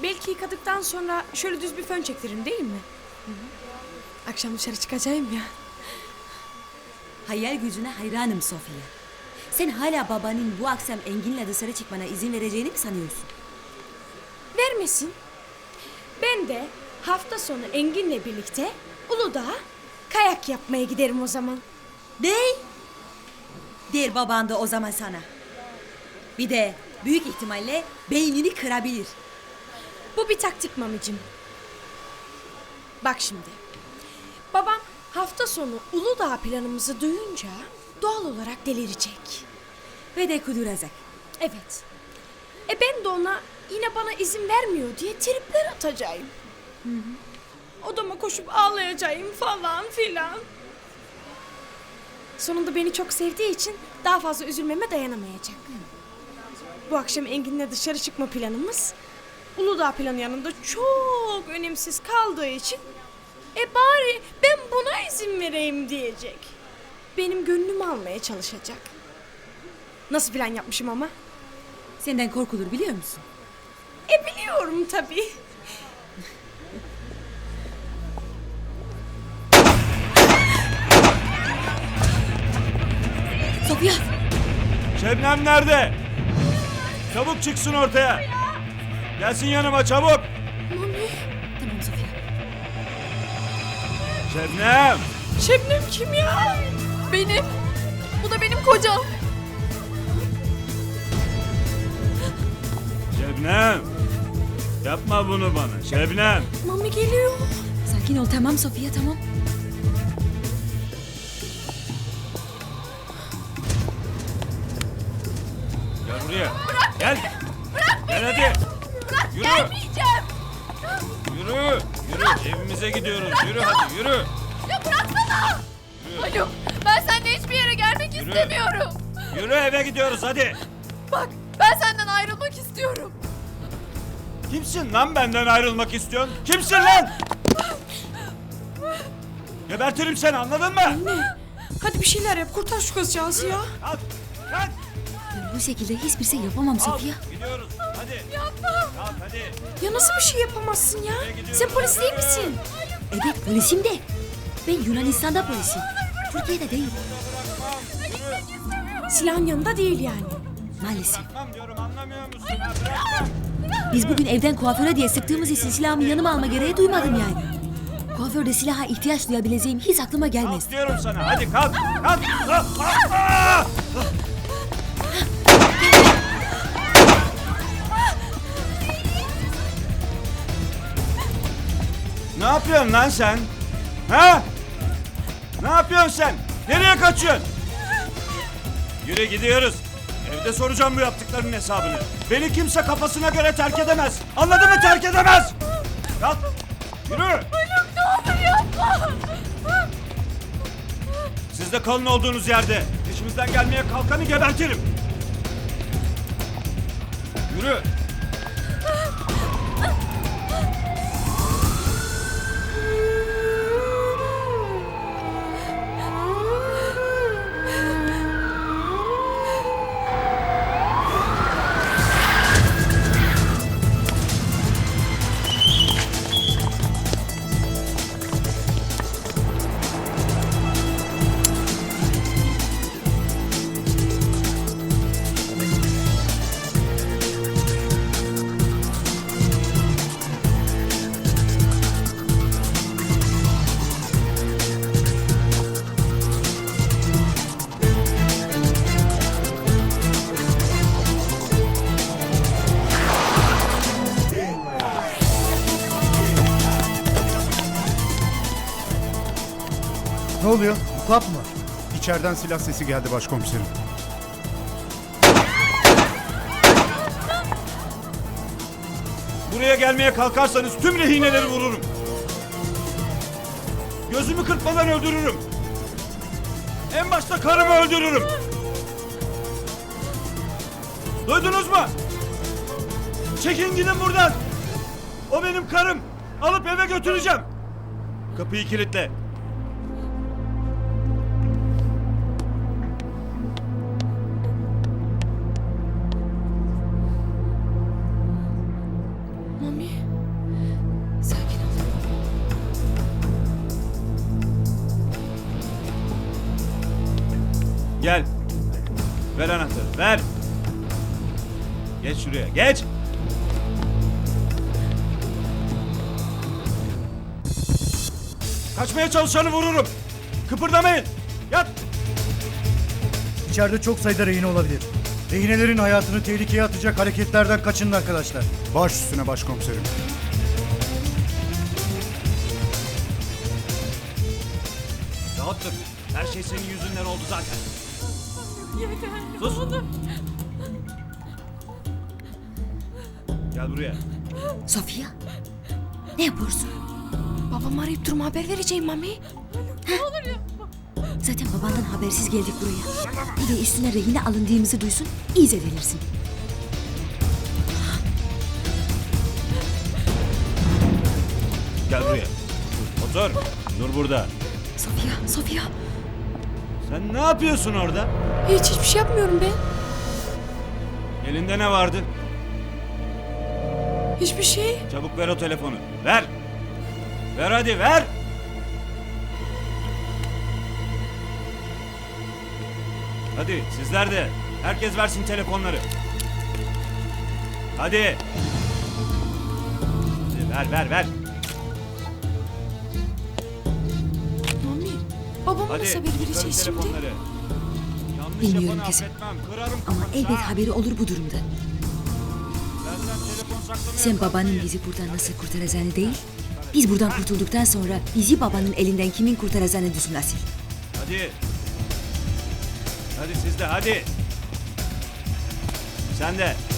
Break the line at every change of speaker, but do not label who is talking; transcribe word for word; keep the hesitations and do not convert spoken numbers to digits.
Belki yıkadıktan sonra şöyle düz bir fön çektiririm değil mi? Hı hı. Akşam dışarı çıkacağım ya.
Hayal gücüne hayranım Sofya. Sen hala babanın bu akşam Engin'le dışarı çıkmana izin vereceğini mi sanıyorsun?
Vermesin. Ben de hafta sonu Engin'le birlikte Uludağ'a kayak yapmaya giderim o zaman.
Dey. Der baban da o zaman sana. Bir de büyük ihtimalle beynini kırabilir.
Bu bir taktik mamicim. Bak şimdi. Babam hafta sonu Uludağ planımızı duyunca doğal olarak delirecek.
Ve de kuduracak.
Evet. E ben de ona yine bana izin vermiyor diye tripler atacağım. Hı hı. Odama koşup ağlayacağım falan filan. Sonunda beni çok sevdiği için daha fazla üzülmeme dayanamayacak. Bu akşam Engin'le dışarı çıkma planımız Uludağ planı yanında çok önemsiz kaldığı için e bari ben buna izin vereyim diyecek. Benim gönlümü almaya çalışacak. Nasıl plan yapmışım ama?
Senden korkulur biliyor musun?
E biliyorum tabii.
Sofya!
Şebnem nerede? Çabuk çıksın ortaya. Gelsin yanıma çabuk.
Mami.
Tamam Sofya.
Şebnem.
Şebnem kim ya?
Benim. Bu da benim kocam.
Şebnem. Yapma bunu bana Şebnem.
Mami geliyor.
Sakin ol tamam Sofya tamam.
Gel buraya. Bırak Gel. Bırak Gel hadi.
Bırak
Yürü.
gelmeyeceğim.
Yürü. Yürü. Evimize gidiyoruz. Yürü hadi yürü.
Ya bıraksana. Haluk ben seninle hiçbir yere gelmek
Yürü.
istemiyorum.
Yürü eve gidiyoruz hadi.
Bak ben senden ayrılmak istiyorum.
Kimsin lan benden ayrılmak istiyorsun? Kimsin lan? Gebertirim seni anladın mı?
Anne. Hadi bir şeyler yap. Kurtar şu kızcağızı ya.
Kalk. Kalk.
Ben bu şekilde hiçbir şey yapamam
Kalk.
Sofya.
Gidiyoruz. Hadi.
Yapma.
Kalk hadi.
Ya nasıl bir şey yapamazsın ya? Sen polis değil misin?
Evet polisim de. Ben Yunanistan'da polisim. Türkiye'de değil.
Silahın yanında değil yani.
Maalesef.
Bırakmam diyorum anlamıyor musun? Ha, bırakmam.
Biz bugün evden kuaföre diye sıktığımız için silahımı yanıma alma gereği duymadım yani. Kuaförde silaha ihtiyaç duyabileceğim hiç aklıma gelmez.
Kalk diyorum sana. Hadi kalk. Kalk. Kalk. Aa! Ne yapıyorsun lan sen? Ha? Ne yapıyorsun sen? Nereye kaçıyorsun? Yürü gidiyoruz. Evde soracağım bu yaptıklarının hesabını. Beni kimse kafasına göre terk edemez. Anladın mı? Terk edemez. Kalk. Yürü.
Haluk ne olur yapma.
Siz de kalın olduğunuz yerde. Peşimizden gelmeye kalkanı gebertirim. Yürü.
Ne oluyor? Mutlak mı var? İçeriden silah sesi geldi başkomiserim.
Buraya gelmeye kalkarsanız tüm rehineleri vururum. Gözümü kırpmadan öldürürüm. En başta karımı öldürürüm. Duydunuz mu? Çekin gidin buradan. O benim karım. Alıp eve götüreceğim. Kapıyı kilitle.
Mami. Sakin ol.
Gel. Ver anahtarı, ver. Geç şuraya, geç. Kaçmaya çalışanı vururum. Kıpırdamayın. Yat.
İçeride çok sayıda rehin olabilir. Rehinelerin hayatını tehlikeye atacak hareketlerden kaçının arkadaşlar. Baş üstüne başkomiserim.
Rahat dur. Her şey senin yüzünden oldu zaten. Sus. Gel buraya.
Sofia, ne yapıyorsun?
Babam arayıp duruma haber vereceğim Mami.
Zaten babandan habersiz geldik buraya. Bir de üstüne rehine alındığımızı duysun, iyice delirsin.
Gel buraya. Otur. Dur burada.
Sofia, Sofia.
Sen ne yapıyorsun orada?
Hiç hiçbir şey yapmıyorum ben.
Elinde ne vardı?
Hiçbir şey.
Çabuk ver o telefonu. Ver. Ver hadi ver. Hadi sizler de. Herkes versin telefonları. Hadi. Hadi ver ver ver.
Mami. Babama
Hadi.
nasıl haber
kırın
vereceğiz şimdi?
telefonları. Yanlış
Bilmiyorum
yapanı
kızım.
affetmem. Kırarım
Ama
kafanızı,
elbet
ha.
haberi olur bu durumda.
Benden telefon saklamaya
Sen babanın
kalkmayın.
bizi buradan nasıl kurtaracağını değil, biz buradan kurtulduktan sonra bizi babanın elinden kimin kurtaracağını düşün Asil.
Hadi. Hadi siz de hadi. Sen de.